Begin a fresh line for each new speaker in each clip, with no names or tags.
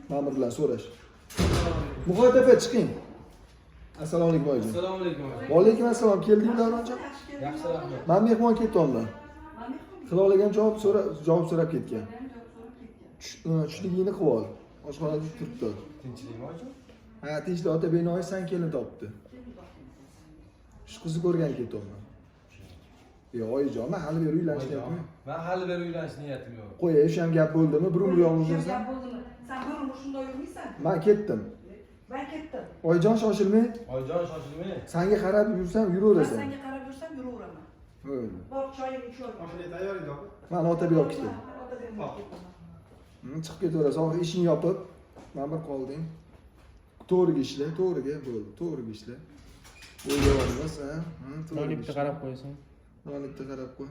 Ma'mur bilan so'rash. Muhayt aka chiqing. Assalomu alaykum oyijon.
Assalomu alaykum.
Va alaykum assalom. Keldingmi Davronjon?
Yaxshi rahmat.
Men mehmon ketdim. Xilola javob so'rab ketgan. Tushligingni qilib ol. Oshxonada turibdi.
Tinchlikmi oyijon?
Ha, tinchlik ota binoyi san kelin topdi. Shu qizni ko'rgan ketdim. Yo'q oyijon, men hali beri uylanishyapman.
Men hali beri uylanish niyatim yo'q.
Qo'y, shu ham gap bo'ldimi? Bir umr yolg'iz yursan.
Gap bo'ldimi? Sen bir umr shunday yurmaysan.
Men ketdim.
Ben ketdim.
Oyijon shoshilmay.
Oyijon shoshilmay.
Senga qarab yursam
Ben
yuraverasan.
senga qarab yursam yuraveraman.
O'yla.
Bor choyingni ichib ol.
Mashina tayyoring opa.
Men otaga olib ketdim.
Otaga
Chiqib ketaverasan. Oxir ishingni yopib, men bir qolding. To'g'riga ishla, to'g'riga bo'ldi. To'g'riga ishla. O'yga olmas, ha?
Nonni bitta qarab qo'yasan.
Nonni bitta qarab qo'y.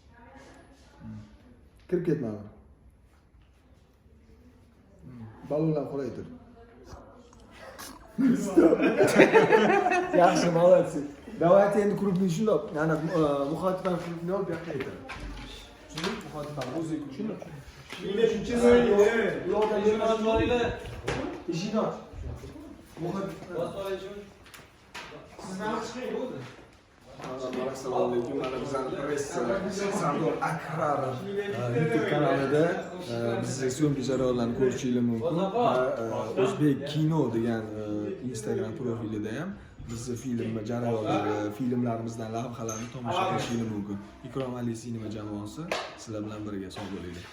Kirib ketma. Balonlar qoraytir. Yaxshi, молодцы. Давайте endi krupni shundoq, yana muxotibdan krupni olib yoqqa aytadi. Tushundingmi? Muxotibdan o'zi shundoq.
Shunga shuncha
Yo'qda
Ishni olinglar.
Eshikni och. Muxotibdan.
Siz nima chiqing o'zi?
Assalomu alaykum. Mana bizning press Sardor Akrar YouTube kanalida bizning syomka jarayonlarini ko'rishingiz mumkin. O'zbek kino degan Instagram profilida ham bizni film jarayonlari, filmlarimizdan lavhalarni tomosha qilishingiz mumkin. Ikrom Ali sinema jamoasi sizlar bilan birga sog' bo'linglar.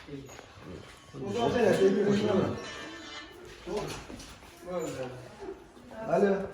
Alo.